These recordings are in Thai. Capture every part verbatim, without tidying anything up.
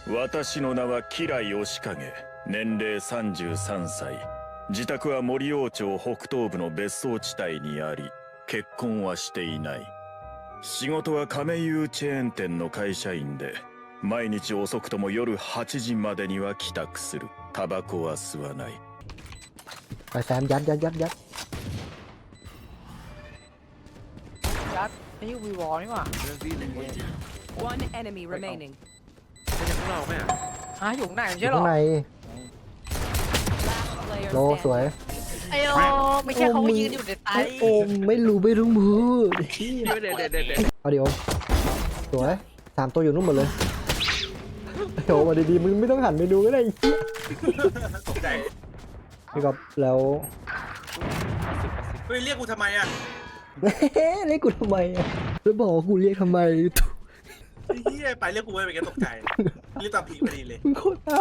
私の名は吉来義景、年齢さんじゅうさんさい、自宅は森王町北東部の別荘地帯にあり、結婚はしていない。仕事は亀有チェーン店の会社員で、毎日遅くとも夜はちじまでには帰宅する。タバコは吸わない。 ไปแซมยัดยัดยัดยัดยัดนี่วีวอลนี่หว่า One enemy remaining. ไม่ใช่พวกเราไหมอ่ะฮะอยู่ข้างในไม่อใช่ยู่หรอข้างใน Last player โลสวย standing. ไอ้โอไม่ใช่เขายืนอยู่ในไตโอมไม่รู้ไม่รู้มือเดี๋ยวเดี๋ยวเดี๋ยวเดี๋ยวเอาดิโอมสวยสามตัวอยู่นู่นหมดเลยโอ้มาดีๆมึงไม่ต้องหันไปดูก็ได้ตกใจพี่ก๊อฟแล้วเฮ้ยเรียกกูทำไมอ่ะเฮ้เรียกกูทำไมอะแล้วบอกว่ากูเรียกทำไมไอ้เหี้ยไปเรียกกูไปเป็นแกตกใจเรียกตามผีพอดีเลยมึงโคตรน่า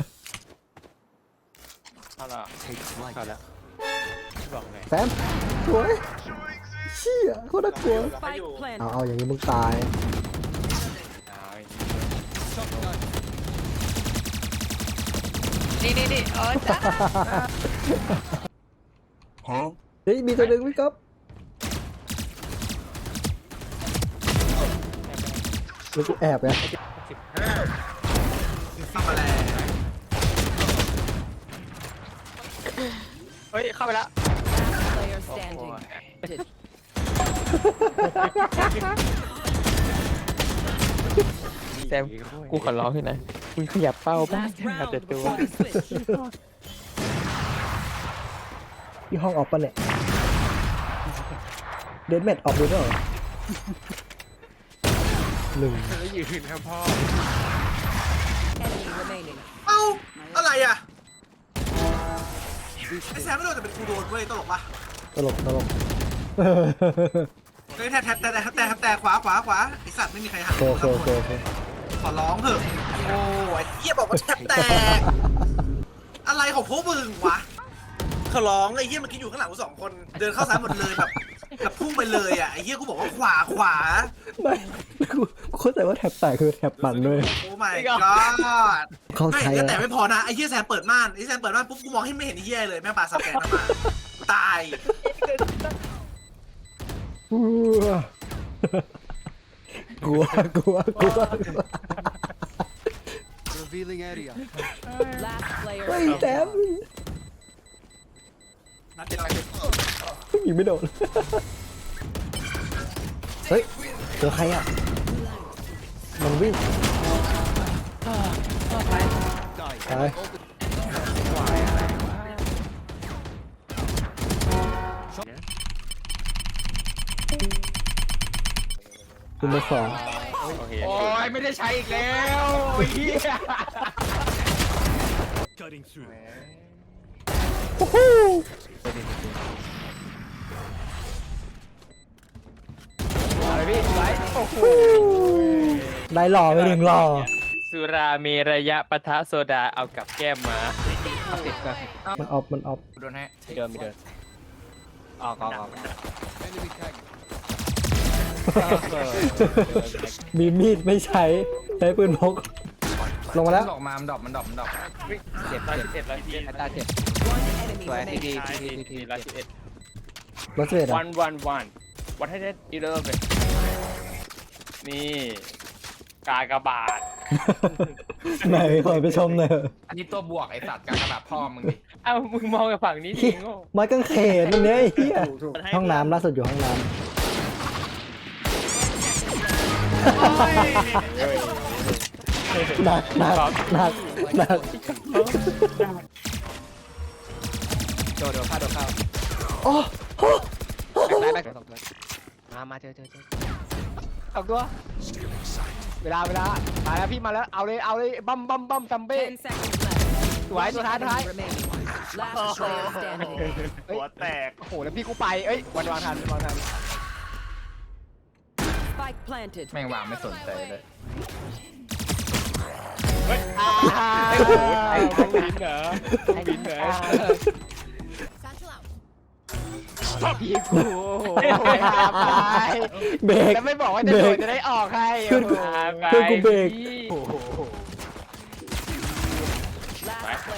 เอาละเอาละบอกไงแซมสวยเชี่ยโคตรน่ากลัว Spike เอา planted. เอาอย่างนี้มึงตายนี่นี่นี่เออจ้าเฮ้ยมีตัวหนึ่งพี่ก๊อฟแล้วกูแอบไงทำอะไรเฮ้ยเข้าไปแล้ว Player standing. แซมกูขอร้องขึ้นนะมึงขยับเป้าบ้าง Last ขยับ round แต่ตัว before the switch. ที่ห้องออกปะเนี่ยเดนแมทออกดูด้วยเหรอหนึ่งแล้วยืนครับพ่อ Enemy remaining. เอ้าอะไรอ่ะไอ้แซมไม่โดนแต่เป็นกูโดนเว้ยตลกปะตลกตลกเฮ้ยแทบแทบแต่แต่แต่แต่ขวาขวาขวาไอสัตว์ไม่มีใครหันโอเคโอเคโอเคขอร้องเถอะโอ้ยเหี้ยบอกว่าแทบแตกอะไรของพวกมึงวะขอร้องไอ้เหี้ยเมื่อกี้อยู่ข้างหลังกูสองคนเดินเข้าซ้ายหมดเลยแบบแบบพุ่งไปเลยอ่ะไอ้เหี้ยกูบอกว่าขวาขวาไม่กูกูเข้าใจว่าแถบแตกคือแถบมันด้วยโอ้ my god เข้าไม่ใจก็แล้วแต่ไม่พอนะไอ้เหี้ยแซมเปิดม่านไอ้แซมเปิดม่านปุ๊บกูมองให้ไม่เห็นไอ้เหี้ยเลยแม่งปาสแกนเข้ามาตายกลัวกลัวกลัว Revealing area. Last player เฮ้ยแซม standing. นัดเดียวยิงไม่โดนเฮ้ยเจอใครอ่ะมันวิ่งตายคุณมาสองโอ้ยไม่ได้ใช้อีกแล้วเฮียโอ้โหอะไรพี่ไลท์โอ้โหได้หล่อไปหนึ่งหล่อสุราเมระยะปะทะโซดาเอากับแก้มมาติดกันมันออฟมันออฟโดนให้เดินไม่เดินออกออกออก Enemy tag. มีมีดไม่ใช้ใช้ปืนพกลงมาแล้วดอกมามันดอกมันดอกมันดอกเจ็บเจ็บเจ็บแล้วพี่ตาเจ็บ One enemy สวยที remaining. ดีทีดีทีละสิบเอ็ดรถเสด็จวัอ่ะนวันวันวันให้ได้อีเลิฟเลยนี่กากบาทไหนขอไปชมหน่อยอันนี้ตัวบวกไอสัตว์การกระบาดพ่อมึงดิเอ้ามึงมองกับฝั่งนี้จริงโง่ไม้กางเขนอันเนี้ยไอ้เหี้ยห้องน้ำล่าสุดอยู่ห้องน้ำหนักหนักหนักหนักโดดโดดเข้าโดดเข้าโอ้โหได้ได้สองตัวมามาเจอเจอเจอสองตัวเวลาเวลามาแล้วพี่มาแล้วเอาเลยเอาเลยบัมบัมบัมซัมเบ้ Ten seconds left. สวยตัวท้ายตัวท้าย Enemy remaining. Last player standing. หัวแตกโอ้โหแล้วพี่กูไปเอ้ยวันวางทันวางทัน Spike planted. แม่งวางไม่สนใจเลยอ้าวต้องบินเหรอต้องบินเหรอพี่กูไปเบรกแล้วไม่บอกว่าจะโดดจะได้ออกให้ขึ้นกูขึ้นกูเบรกโอ้โห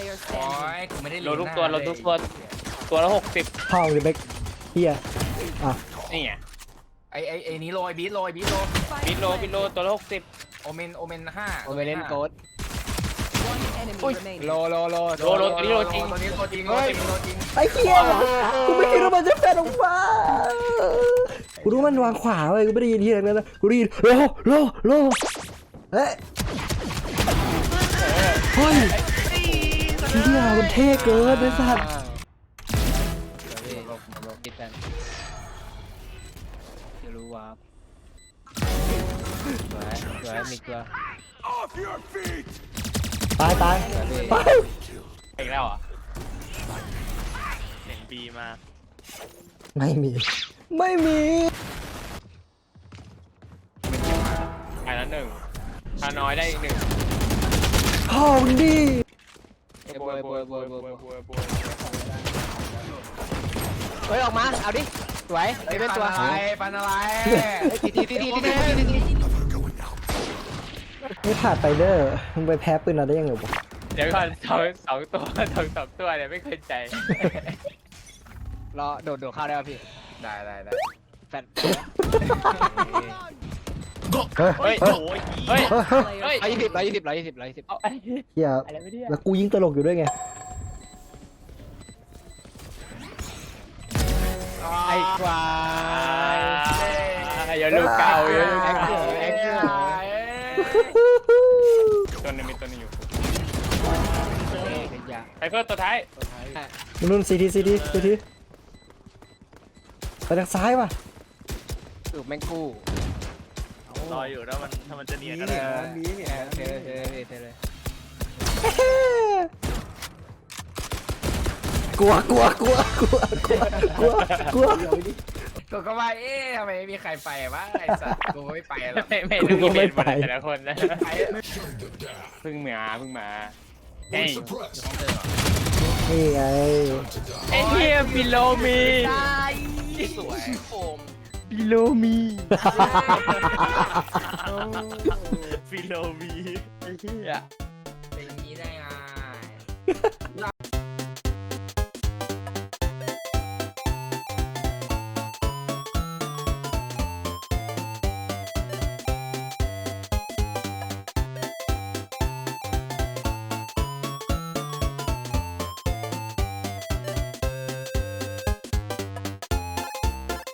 player โอ้ย standing. กูไม่ได้โลทุกตัวโลทุกตัวตัวละหกสิบพ่อมึงดิเบกเฮียอ่ะนี่ไงไอไอไอนี้โรยบีทโรยบีทโรบิโลบิโลตัวละหกสิบโอเมนโอเมนห้าโอเมเล่นโกด One enemy อุ้ย remaining. โลโลโลโลโลตัวนี้โลจริงตัวนี้โลจริงโลจริงโลจริงไอ้เฮียกูไม่คิดว่ามันจะแฟนออกมากูรู้มันวางขวาเว้ยกูไม่ได้ยินที่ไหนเลยนะกูได้ยินโลโลโลเฮ้ยเฮ้ยเฮียมันเท่เกินไอ้สัตว์กินกันจะรู้ว่าสวยสวยมีเกลือตายตายไปอีกแล้วเหรอ่ะเห็นบีมาไม่มี ไม่มีอันนั้นหนึ่งถ้าน้อยได้อีกหนึ่งพ่อมึงดิเอ้ยบวยบวยบวยบวยบวยบวยเฮ้ยออกมาเอาดิสวยไอไม่เป็เป็น นตัตัว วอะไรปันอะไรทีทีทีทีทีทีทีไม่ผ่านไปเด้อมึงไปแพ้ปืนเราได้ยังไงวะเดี๋ยวก่อนสองสองตัวสองสองตัวเนี่ยไม่เคยใจรอโดดโดดเข้าได้ป่ะพี่ได้ได้ได้แฟนเฮ้ยเฮ้ยเฮ้ยโอ้ยเฮ้ยเฮ้ยเฮ้ยร้อยยี่สิบร้อยยี่สิบร้อยยี่สิบร้อยยี่สิบเอาไอ้เฮียอะไรไม่ได้แล้วกูยิงตลกอยู่ด้วยไงไอ้ควายอย่าลูกเก่าอย่าลูกแอคเก่าเกอร์แอคเกอร์ตัวนึงมีตัวนึงอยู่ขยะไอ้ก็ตัวท้ายนุ่นซีทีซีทีซีทีไปทางซ้ายว่ะสูบแมงกู้รออยู่แล้วมันถ้ามันจะเนียนก็เอได้อเทเลยเทเลยเทเลยกลัวกลัวกลัวกลัวกลัวกลัวกลัวกูก็ว่าเอ๊ะทำไมไม่มีใครไปวะไอสัตว์กูไม่ไปหรอกไม่ไม่รู้ไม่ไปแต่ละคนนะเพิ่งมาเพิ่งมาเอ้ยนี่ไงไอ้เหี้ยบิโลมีสวยโอมบิโลมีบิโลมีไอ้เหี้ยเป็นอย่างนี้ได้ไง